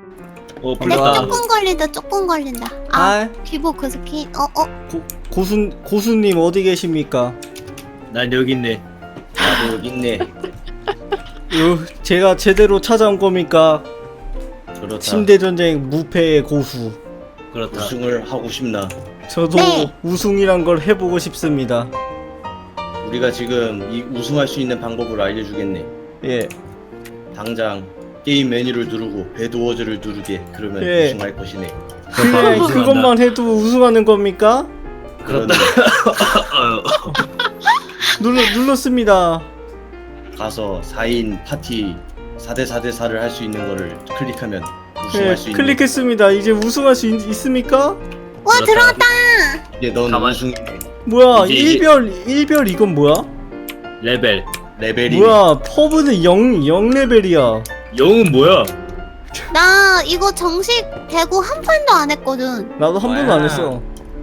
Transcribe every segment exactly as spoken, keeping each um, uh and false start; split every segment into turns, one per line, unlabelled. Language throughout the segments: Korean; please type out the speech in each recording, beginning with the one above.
어
근데
불렀다.
조금 걸린다 조금 걸린다. 아
아,
피부 그 스킨 어어
고, 고수, 고수님 어디 계십니까?
난 여기 있네.
나도 여기 있네.
요, 제가 제대로 찾아온 겁니까?
그렇다.
침대전쟁 무패의 고수.
그렇다.
우승을 하고 싶나?
저도
네.
우승이란 걸 해보고 싶습니다.
우리가 지금 이 우승할 수 있는 방법을 알려주겠네.
예.
당장 게임 메뉴를 누르고 배드워즈를 누르게. 그러면
예.
우승할 것이네.
그래,
우승한다.
그것만 해도 우승하는 겁니까?
그렇다.
그러네.
눌러, 눌렀습니다.
가서 사 인 파티 사 대 사 대 사를 할 수 있는 거를 클릭하면 우승할
예,
수 있는.
클릭했습니다. 이제 우승할 수 있, 있습니까?
와
그렇다.
들어왔다.
이제 넌
가만-
우승이네.
뭐야,
이제, 이제-
일별, 일별 이건 뭐야?
레벨.
레벨이.
뭐야, 퍼브는 영, 영 레벨이야.
영은 뭐야?
나 이거 정식 되고 한 판도 안 했거든.
나도 한 번도 안 했어.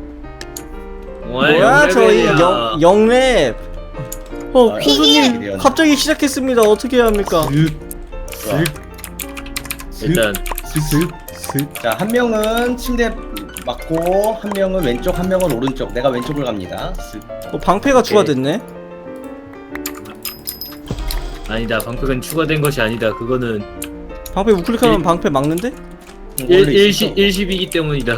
뭐야, 저희
영
영, 영 렙. 어,
아,
고수님,
이게-
갑자기 시작했습니다. 어떻게 해야 합니까?
좋아.
일단
슥, 슥.
자, 한 명은 침대 맞고 한 명은 왼쪽, 한 명은 오른쪽. 내가 왼쪽을 갑니다. 쓱.
어, 방패가 추가됐네?
아니다. 방패는 추가된 것이 아니다. 그거는
방패 우클릭하면
일-
방패 막는데?
원래 있었어.
일시 일십이기 때문이다.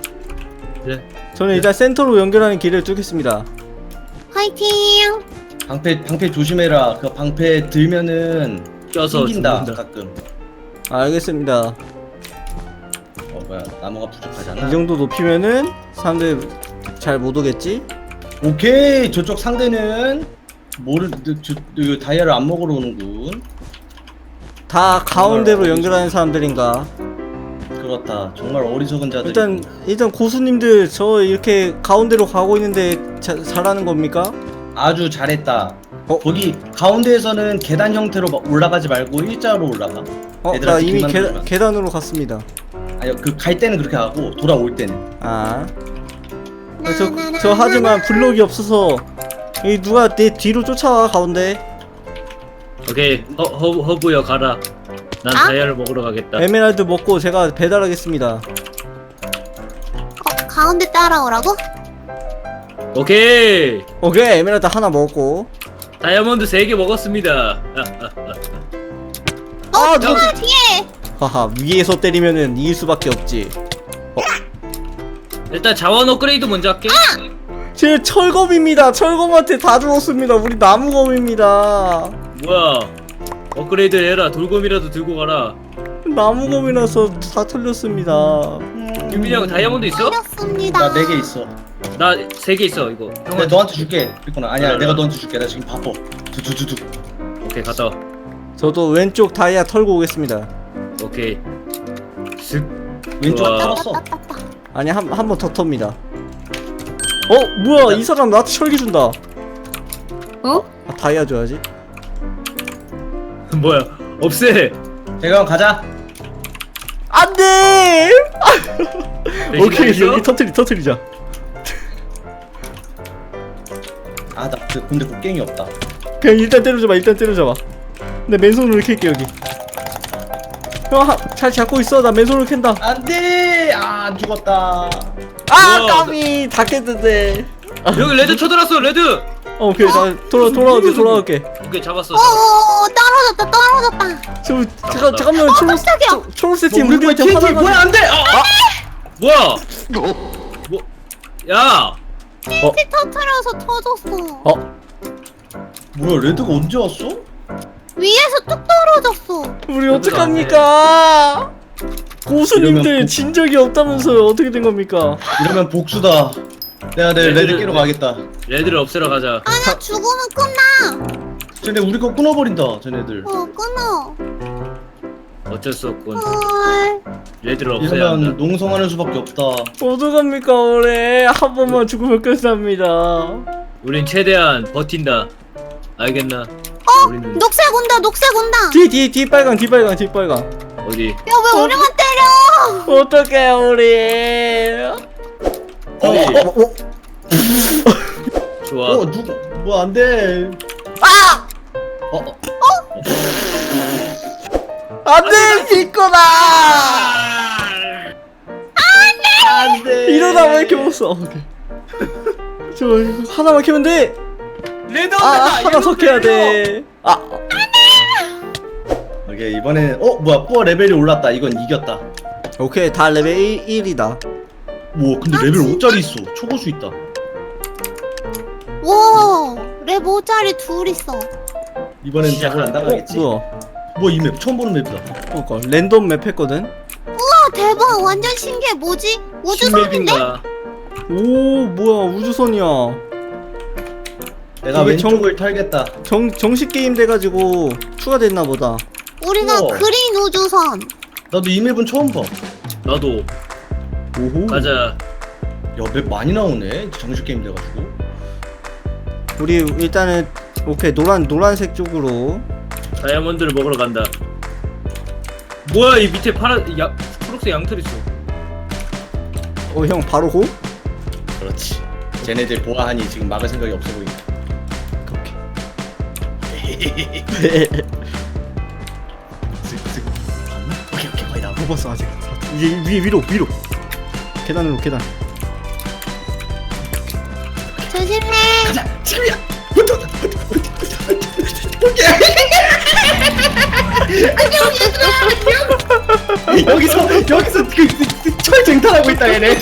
저는 일단 센터로 연결하는 길을 뚫겠습니다.
화이팅.
방패 방패 조심해라. 그 방패 들면은
껴서
튕긴다
죽는다.
가끔.
알겠습니다.
어 뭐야 나무가 부족하잖아.
이 정도 높이면은 사람들 잘 못 오겠지?
오케이 저쪽 상대는 뭐를 저, 저, 저, 다이아를 안 먹으러 오는군.
다 가운데로
정말
연결하는 사람들인가?
그렇다. 정말 어리석은 자들.
일단 일단 고수님들 저 이렇게 가운데로 가고 있는데 자, 잘하는 겁니까?
아주 잘했다.
어?
거기 가운데에서는 계단 형태로 막 올라가지 말고 일자로 올라가.
어,
얘들아,
나 이미
지금
계,
만들어라.
계단으로 갔습니다.
아니 그 갈 때는 그렇게 하고 돌아올 때는.
아, 어, 저, 저 하지만 블록이 없어서 이 누가 내 뒤로 쫓아와 가운데.
오케이. 허, 허, 허브여 가라. 난
아?
다이아를 먹으러 가겠다.
에메랄드 먹고 제가 배달하겠습니다.
어 가운데 따라오라고?
오케이.
오케이, 에메랄드 하나 먹고.
다이아몬드 세 개 먹었습니다.
어
아,
누가
누가-
뒤에?
하하, 위에서 때리면은 이길 수밖에 없지.
일단 자원 업그레이드 먼저 할게.
제 철검입니다. 철검한테 다 죽었습니다. 우리 나무검입니다.
뭐야? 업그레이드 해라. 돌검이라도 들고 가라.
나무검이라서 다 털렸습니다.
유빈이 형 다이아몬드 있어?
걸렸습니다.
나 네 개 있어.
나 세 개 있어. 이거.
내가
형은
너한테 줄게. 그랬구나. 아니야
그래,
내가
그래.
너한테 줄게. 나 지금 바빠. 두두두두.
오케이 갔다. 와.
저도 왼쪽 다이아 털고 오겠습니다.
오케이. 슥.
왼쪽
우와.
털었어.
따따따따.
아니, 한 한 번 더 텁니다. 어, 뭐야? 이 사람 나한테 철기 준다.
어?
아, 다이아 줘야지.
뭐야? 없애.
대강 가자.
안 돼!
대신
오케이,
알려?
여기 터트리, 터트리자.
아 나 근데 곡괭이 없다.
그냥 일단 때려줘봐, 일단 때려줘봐. 내 맨손으로 캘게, 여기. 형, 하, 잘 잡고 있어. 나 맨손으로 캔다.
안돼. 아 안 죽었다.
아,
우와.
까비! 다 깼는데.
여기 레드 쳐들었어. 레드.
어, 오케이, 나 돌아, 돌아올게, 돌아올게.
오케이 잡았어.
어어어 떨어졌다 떨어졌다.
저, 잠깐, 잠깐만, 초록,
깜짝이야.
초- 초록색 팀
우리 거
우리한테
티엔티
화나가지고.
뭐야 안돼. 아, 아.
뭐야? 뭐? 야.
티 터트려서 터졌어.
어,
뭐야 레드가 언제 왔어?
위에서 뚝 떨어졌어.
우리 어떡합니까? 고수님들
이러면 복-
진 적이 없다면서요. 어떻게 된 겁니까?
이러면 복수다. 내가 내
레드를-
레드 깨러 가겠다.
레드를 없애러 가자.
아니야 죽으면 끝나.
쟤네 우리 거 끊어버린다. 쟤네들.
어 끊어.
어쩔 수 없군.
헐.
레드를 없애야
이러면
한다.
농성하는 수밖에 없다.
어떡합니까, 올해. 한 번만 죽으면 끝납니다.
우린 최대한 버틴다. 알겠나?
어
우리는
녹색 온다 녹색 온다.
뒤, 뒤, 뒤 빨강, 뒤 빨강, 뒤 빨강.
어디?
야 왜 우리만 때려?
어떡해, 우리.
어,
어이.
어, 어,
좋아.
어, 누구, 뭐 안 돼.
아!
어, 어.
안 돼, 비꼬다! 채웠어. 오케이. 저 이거 하나만 캐면 돼.
레드
아, 하나 더 캐야 돼. 아,
오케이 이번에는 어 뭐야 뽀 레벨이 올랐다. 이건 이겼다.
오케이 다 레벨 일이다.
뭐 근데
아,
레벨
진짜?
오짜리 있어. 초고수 있다.
와, 랩 오짜리 둘 있어.
이번엔
시작.
작을 안 당하겠지.
뭐야?
뭐 이 맵 처음 보는 맵이다.
그러니까 랜덤 맵 했거든.
아, 대박. 완전 신기해. 뭐지? 우주선인데?
신맵인가?
오, 뭐야 우주선이야.
내가
이게
왼쪽을 털겠다.
정 정식 게임 돼가지고 추가됐나 보다.
우리가
우와.
그린 우주선.
나도 이 맵은 처음 봐.
나도.
오호.
가자.
야 맵 많이 나오네. 정식 게임 돼가지고.
우리 일단은 오케이 노란 노란색 쪽으로.
다이아몬드를 먹으러 간다. 뭐야 이 밑에 파란 야 초록색 양털 있어.
어 형 바로 고?
그렇지. 쟤네들 보아하니 지금 막을 생각이 없어 보인다.
오케이.
봤나? 오케이 오케이 거의 나와.
못 봤어 아직. 이제 위 위로 위로. 계단으로 계단.
조심해.
가자 지금이야. 오케이. 여기서 여기서 그, 그, 그 철쟁탈하고 있다 얘네.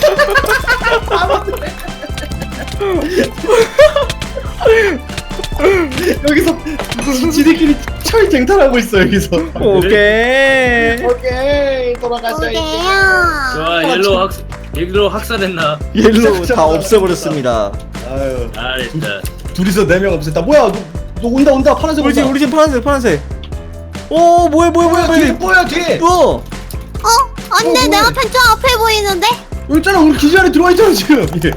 여기서 지- 지들끼리 철쟁탈하고 있어 여기서.
오케이.
오케이 돌아가자 이제.
오게요.
좋아 옐로우 학 옐로우 학살했나?
옐로우 다 없애버렸습니다.
아유
잘했다.
둘이서 네 명 없앴다. 뭐야 너, 너 온다 온다 파란색
우리
온다.
팀 우리 팀 파란색 파란색. 오 뭐야 뭐야 뭐야
뭐야 뒤에
뭐야.
뭐야 뒤에.
어.
어? 안돼,
어,
내
뭐야?
앞에 저 앞에 보이는데?
여기 있잖아 우리 기지 안에 들어와 있잖아 지금. 예.
어디?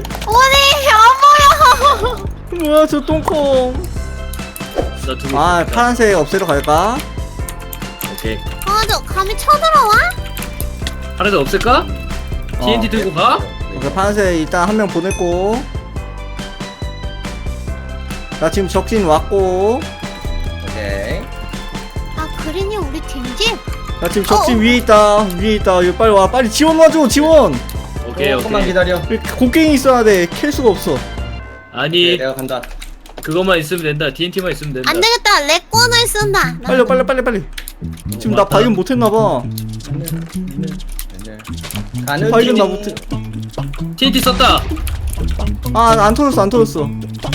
안 보여.
뭐야 저 똥콩.
나 두고.
아 파란색 없애러 갈까?
오케이.
아, 저 감히 쳐들어와?
파란색 없을까? 티엔티 들고 가?
오케이 파란색 일단 한 명 보냈고. 나 지금 적진 왔고.
오케이.
아, 그린이 우리 팀지?
나 지금 적진
어.
위에 있다 위에 있다. 이거 빨리 와 빨리 지원 와줘 지원.
오케이
조금만
오케이.
기다려.
곡괭이 있어야 돼. 캘 수가 없어.
네,
아니
내가 간다.
그것만 있으면 된다. 티엔티만 있으면 된다.
안 되겠다. 렉권을 쓴다.
빨리 빨리 빨리 빨리. 지금 나
맞다.
발견 못했나 봐.
가는
발견 나
중.
못해.
티엔티 썼다.
아 안 터졌어 안 터졌어.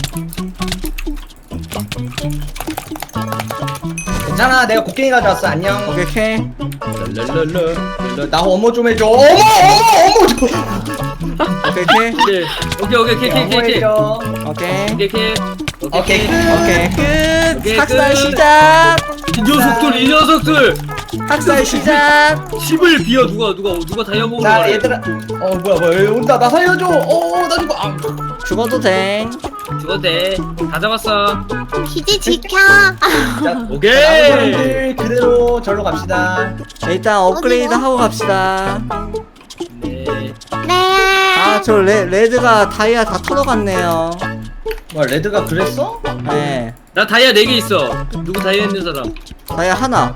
괜찮아 내가 곡괭이 가져왔어. 안녕.
오케이 캐.
랄랄랄라. 나 어머 좀 해줘. 어머 어머 어머 좀.
오케이 캐.
오케이 오케이 오케이 오케이
어머
오케이 오케이
해줘.
오케이.
오케이 오케이
오케이 끝.
오케이 끝.
오케이,
학살
끝.
시작.
이 녀석들 이 녀석들
학살 시작.
십을 비워 누가 누가 누가 다이아 먹으러
자
가래.
얘들아. 어 뭐야 뭐야 여기 온다. 나 살려줘. 어나 죽어. 아.
죽어도 돼.
죽어도 돼다 잡았어.
기지 지켜.
자,
오케이.
사람들 그대로 절로 갑시다.
일단 업그레이드
어디로?
하고 갑시다.
네.
네.
아 저 레드가 다이아 다 털어갔네요.
뭐 레드가 그랬어?
네.
나 다이아 네 개 있어. 누구 다이아 있는 사람?
다이아 하나.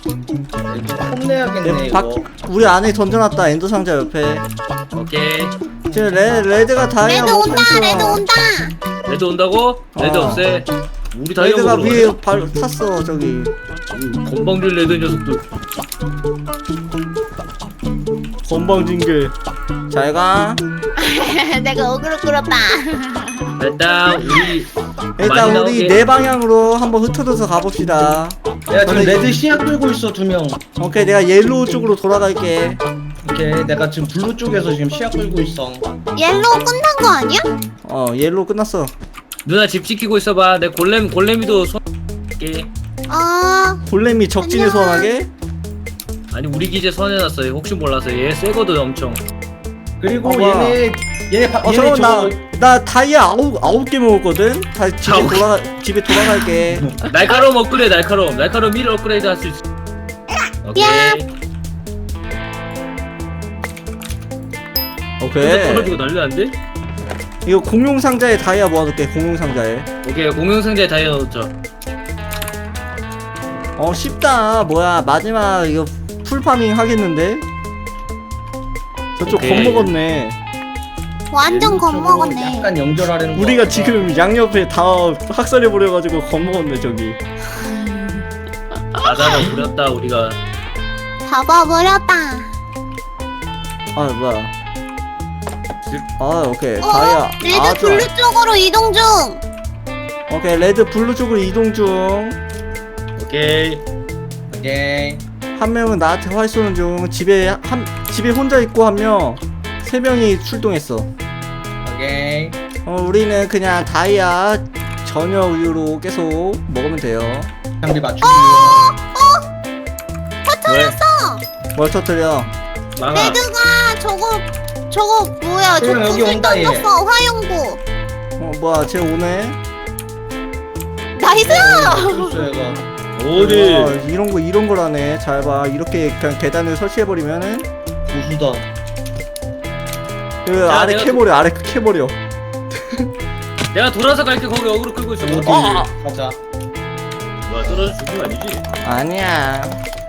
혼내야겠네
네,
이거.
박, 우리 안에 던져놨다 엔더 상자 옆에.
오케이.
지금 레, 레드가 다이아
레드
먹고
온다.
있어.
레드 온다.
레드 온다고? 레드
어.
없애. 우리 다이아
레드가
먹으러
위에
가자.
발 탔어 저기.
건방진 레드 녀석들.
건방진게. 잘 가.
내가 어그로 끌었다.
일단 우리
일단
많이
우리
나오게.
네 방향으로 한번 흩어져서 가봅시다.
내가 지금
저는
레드 시약 들고 있어 두 명.
오케이 내가 옐로우 쪽으로 돌아갈게.
오케이 내가 지금 블루 쪽에서 지금 시약 들고 있어.
옐로우 끝난 거 아니야?
어 옐로우 끝났어.
누나 집 지키고 있어봐. 내 골렘 골렘이도 손. 게
아,
골렘이 적진에
안녕.
소환하게?
아니 우리 기재 선해놨어. 혹시 몰라서 얘 세거든 엄청.
그리고
어, 뭐야.
얘네 얘네 바,
어
얘네
잠깐만
저
나, 나 다이아 아홉, 아홉 개 먹었거든? 다 집에
아홉 개.
돌아가 집에 돌아갈게.
날카로움 업그레이드 날카로움 날카로움 일 업그레이드 할 수 있어. 오케이.
야.
오케이
떨어지고 난리 난데?
이거 공용 상자에 다이아 모아둘게. 공용 상자에.
오케이 공룡상자에 다이아 넣었죠.
어 쉽다. 뭐야 마지막 이거 풀파밍 하겠는데? 저쪽
오케이.
겁먹었네.
완전 겁먹었네.
약간 연결하려는 거
우리가
같다.
지금 양옆에 다 학살해 버려가지고 겁먹었네 저기.
바다로 부렸다 우리가.
잡아버렸다.
아 뭐야? 아 오케이
어?
다이아.
레드
아, 좋아.
블루 쪽으로 이동 중.
오케이 레드 블루 쪽으로 이동 중.
오케이.
오케이.
한 명은 나한테 활 쏘는 중. 집에 한 집에 혼자 있고 한 명. 세 명이 출동했어.
오케이.
어 우리는 그냥 다이아 전혀 우유로 계속 먹으면 돼요.
우리 맞추기.
터뜨렸어.
뭘 터뜨려?
망아.
레드가 저거 저거 뭐야? 저
그럼 여기
구슬
온다, 얘.
던졌어. 화용구.
어 뭐야 쟤 오네?
나이스.
줬어 얘가.
어디?
와, 이런 거 이런 거라네. 잘 봐. 이렇게 그냥 계단을 설치해 버리면은
고수다.
그
자,
아래
내가
캐버려. 아래 캐버려.
내가 돌아서 갈게. 거기 어그로 끌고 있어.
어디?
아!
가자.
뭐야 떨어져 죽은 거 아니지?
아니야.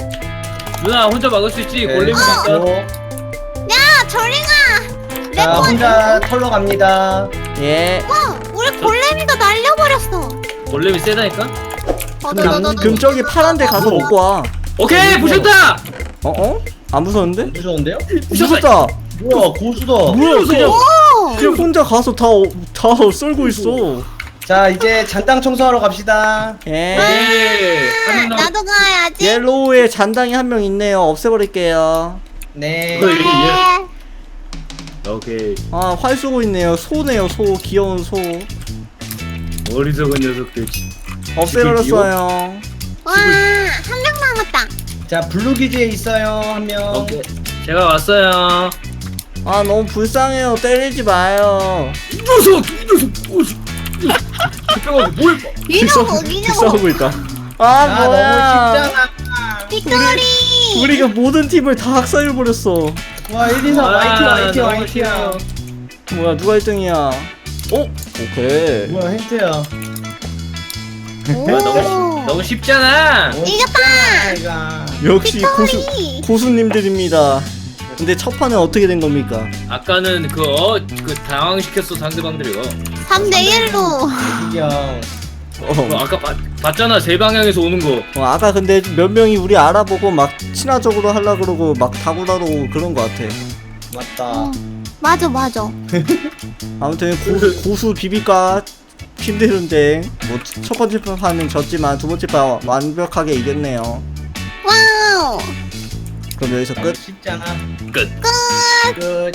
누나 혼자 막을 수 있지.
네.
골렘이니까.
어.
야, 저링아.
자 혼자 털러 갑니다.
예.
어, 우리 골렘이가 날려버렸어.
골렘이 세다니까.
그럼, 그럼 저기 파란 데 가서 먹고 와.
오케이 부셨다.
어 어? 안 무서운데?
무서운데요?
무섭다.
뭐야 고수다.
뭐야 그냥
오.
그냥 혼자 가서 다 다 썰고 있어.
자 이제 잔땅 청소하러 갑시다.
예.
오케이. 한명 남.
나도 가야지.
옐로우에 잔당이 한 명 있네요. 없애버릴게요.
네.
어이.
네.
오케이.
아, 활 쏘고 있네요. 소네요, 소. 귀여운 소.
어리석은 녀석들.
없애버렸어요.
와, 한 명 남았다.
자 블루 기지에 있어요 한 명.
오케이. 제가 왔어요.
아, 너무 불쌍해요. 때리지 마요.
이 녀석, 이 녀석, 오씨. 잠깐만, 뭘 봐.
이놈아, 이놈아.
싸우고 있다. 아,
아
뭐야.
너무 쉽잖아.
빅토리.
우리가 모든 팀을 다 학살해버렸어.
와 일, 이, 삼
아,
화이팅 화이팅
너무
화이팅.
싫어.
뭐야, 누가 일 등이야? 어? 오케이.
뭐야 힌트야.
뭐야, 너무, 너무 쉽잖아.
이겼다.
이가.
역시 고수,
빅토리.
고수님들입니다. 근데 첫 판은 어떻게 된 겁니까?
아까는 그, 어, 그 당황시켰어, 상대방들이요.
삼 대 일로.
이경.
어,
그 아까 봤, 봤잖아, 세 방향에서 오는 거.
어, 아까 근데 몇 명이 우리 알아보고 막 친화적으로 하려 그러고 막 다구다로 그런 거 같아.
맞다.
어, 맞아, 맞아.
아무튼 고수, 고수 비비까 힘들은데 뭐 첫 번째 판은 졌지만 두 번째 판 완벽하게 이겼네요.
와우.
그럼 여기서 끝.
쉽잖아.
끝.
끝.